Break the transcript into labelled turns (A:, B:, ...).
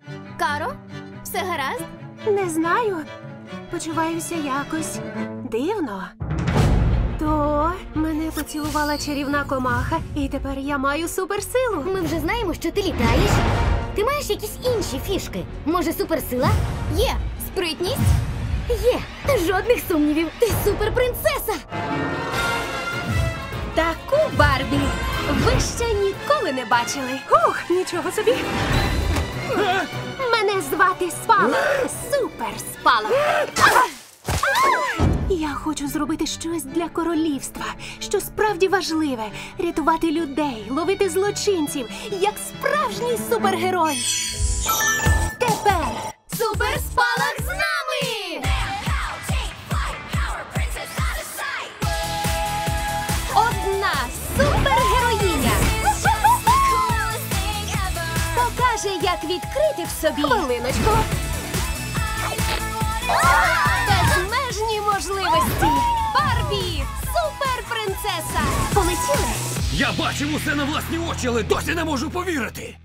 A: Каро, все гаразд?
B: Не знаю. Почуваюся якось дивно. То мене поцілувала чарівна комаха, і тепер я маю суперсилу.
C: Ми вже знаємо, що ти літаєш. Ти маєш якісь інші фішки? Може, суперсила?
A: Є спритність.
C: Є. Жодних сумнівів. Ти суперпринцеса.
B: Таку Барбі ви ще ніколи не бачили. Ух, нічого собі. Мене звати Спалах. Супер Спалах. Я хочу зробити щось для королівства, що справді важливе. Рятувати людей, ловити злочинців, як справжній супергерой. Тепер
A: Суперспалах з нами!
B: одна супергероїня покаже, як відкрити в собі хвилиночку. Безмежні можливості. Барбі! Суперпринцеса! Полетіли!
D: Я бачив усе на власні очі, але досі не можу повірити.